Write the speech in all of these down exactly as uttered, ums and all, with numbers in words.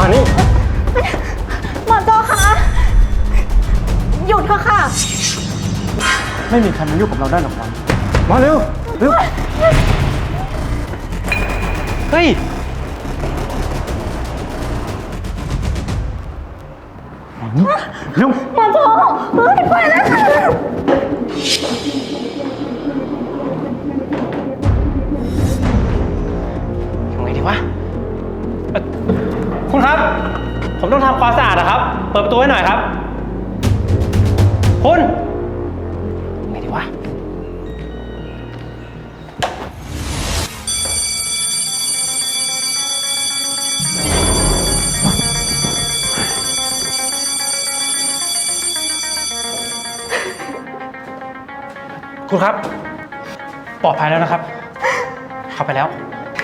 มานี่หมอโจคะหยุดเถอะค่ะไม่มีใครมายุ่งกับเราได้หรอกวันมาเร็วเร็วเฮ้ยเร็วหมอโจเฮ้ยไปแล้วค่ะทำไงดีวะคุณครับผมต้องทำความสะอาดนะครับเปิดประตูให้หน่อยครับคุณไงดีวะคุณครับปลอดภัยแล้วนะครับเข้าไปแล้ว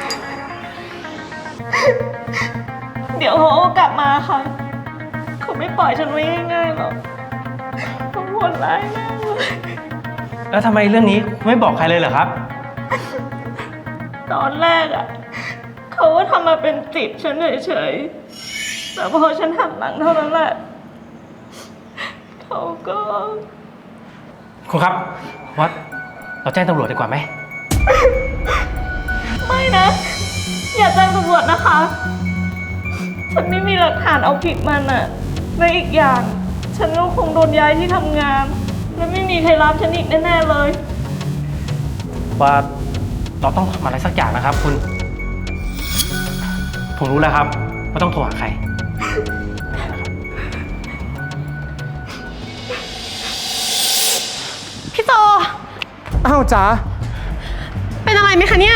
เดี๋ยวเขากลับมาค่ะเขาไม่ปล่อยฉันไว้ง่ายๆหรอกเขาโหดร้ายมากเลยแล้วทำไมเรื่องนี้ไม่บอกใครเลยเหรอครับตอนแรกอ่ะเขาก็ทำมาเป็นติดฉันเฉยๆแต่พอฉันหันหลังเท่านั้นแหละเขาก็คุณครับว่าเราแจ้งตำรวจดีกว่าไหมไม่นะอย่าแจ้งตำรวจนะคะฉันไม่มีหลักฐานเอาผิดมันอะและอีกอย่างฉันก็คงโดนย้ายที่ทำงานและไม่มีใครรับฉันอีกแน่ๆเลยว่าเราต้องทำอะไรสักอย่างนะครับคุณผมรู้แล้วครับว่าต้องโทรหาใครพี่โจอ้าวจ๋าเป็นอะไรไหมคะเนี่ย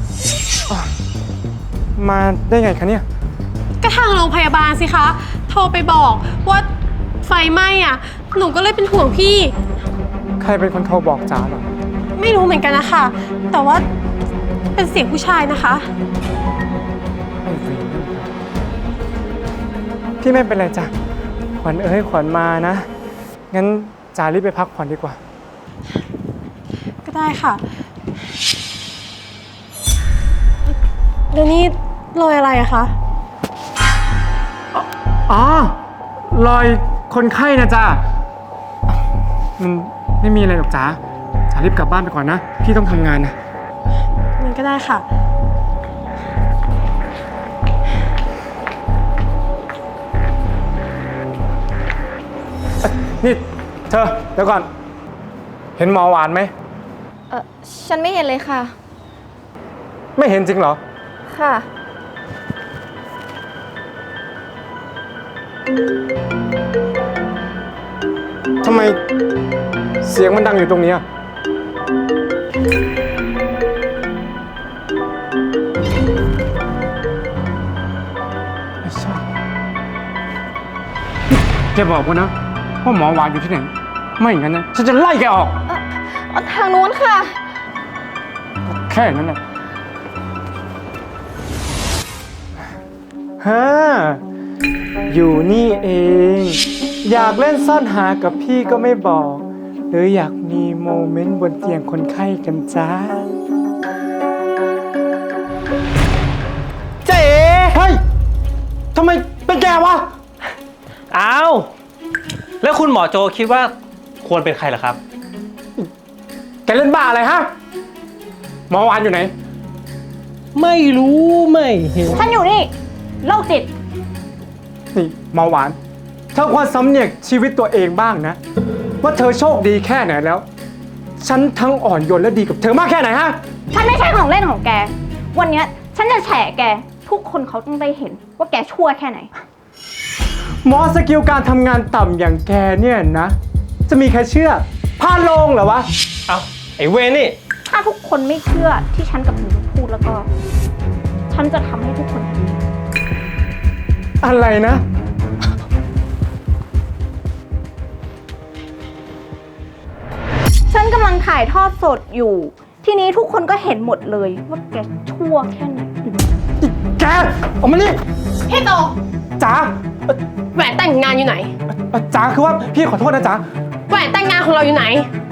มาได้ไงคะเนี่ยก็ทางโรงพยาบาลสิคะโทรไปบอกว่าไฟไหม้อ่ะหนูก็เลยเป็นห่วงพี่ใครเป็นคนโทรบอกจ๋าหรอไม่รู้เหมือนกันนะคะแต่ว่าเป็นเสียงผู้ชายนะคะพี่ไม่เป็นไรจ้ะขวัญเอ้ยขวัญมานะงั้นจ๋ารีบไปพักผ่อนดีกว่าก็ได้ค่ะแล้วนี่รอยอะไรอะคะอ๋อรอยคนไข้นะจ๊ะมันไม่มีอะไรหรอกจ๋าจ๋ารีบกลับบ้านไปก่อนนะพี่ต้องทำงานนะมันก็ได้ค่ะนี่เธอเดี๋ยวก่อนเห็นหมอหวานไหมเออฉันไม่เห็นเลยค่ะไม่เห็นจริงเหรอค่ะทำไมเสียงมันดังอยู่ตรงนี้อ่ะไม่ใช่แกบอกว่านะว่าหมอหวานอยู่ที่ไหนไม่อย่างนั้นนะฉันจะไล่แกออกเอ่อทางนู้นค่ะแค่นั้นแหละฮ่าอยู่นี่เองอยากเล่นซ่อนหากับพี่ก็ไม่บอกหรืออยากมีโมเมนต์บนเตียงคนไข้กันจ้าเจ๊เฮ้ยทำไมเป็นแกวะอ้าวแล้วคุณหมอโจคิดว่าควรเป็นใครล่ะครับแกเล่นบ้าอะไรฮะหมอวานอยู่ไหนไม่รู้ไม่เห็นฉันอยู่นี่โรคจิตนี่หมอหวานเธอควรสำเนียกชีวิตตัวเองบ้างนะว่าเธอโชคดีแค่ไหนแล้วฉันทั้งอ่อนโยนและดีกับเธอมากแค่ไหนฮะฉันไม่ใช่ของเล่นของแกวันนี้ฉันจะแฉแกทุกคนเขาต้องได้เห็นว่าแกชั่วแค่ไหนหมอสกิลการทำงานต่ำอย่างแกเนี่ยนะจะมีใครเชื่อพาลงเหรอวะเอาไอ้เวนี่ถ้าทุกคนไม่เชื่อที่ฉันกับคุณพูดแล้วก็ฉันจะทำให้ทุกคนอะไรนะฉันกำลังถ่ายทอดสดอยู่ทีนี้ทุกคนก็เห็นหมดเลยว่าแกชั่วแค่ไหนแกออกมานี่พี่โตจ๋าแหวนแต่งงานอยู่ไหนจ๋าคือว่าพี่ขอโทษนะจ๋าแหวนแต่งงานของเราอยู่ไหน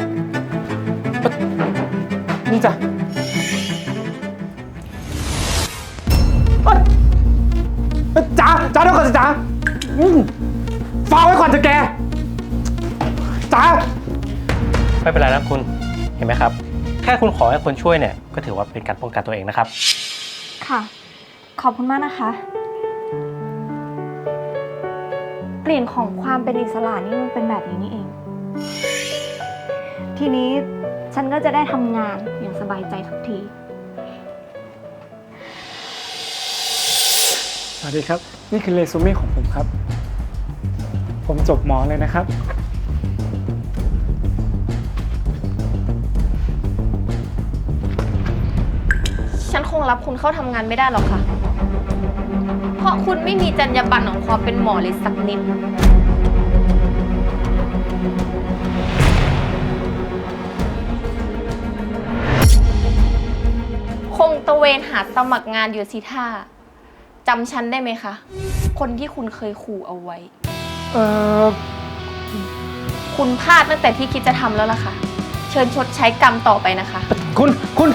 นี่จ้ะจ๋าจ๋าเดี๋ยวก่อนสิจ๋าอืมฟังไว้ก่อนจะแกจ๋าไม่เป็นไรนะคุณเห็นไหมครับแค่คุณขอให้คนช่วยเนี่ยก็ถือว่าเป็นการป้องกันตัวเองนะครับค่ะ ขอบคุณมากนะคะ กลิ่นของความเป็นอิสระนี่มันเป็นแบบนี้นี่เอง ทีนี้ฉันก็จะได้ทำงานอย่างสบายใจทุกทีสวัสดีครับ นี่คือเรซูเม่ของผมครับ ผมจบหมอเลยนะครับฉันคงรับคุณเข้าทำงานไม่ได้หรอกค่ะ เพราะคุณไม่มีจรรยาบรรณของความเป็นหมอเลยสักนิด คงตะเวนหาสมัครงานอยู่สิท่าจำฉันได้ไหมคะ คนที่คุณเคยขู่เอาไว้เอ่อคุณพลาดตั้งแต่ที่คิดจะทำแล้วล่ะค่ะ เชิญชดใช้กรรมต่อไปนะคะคุณคุณ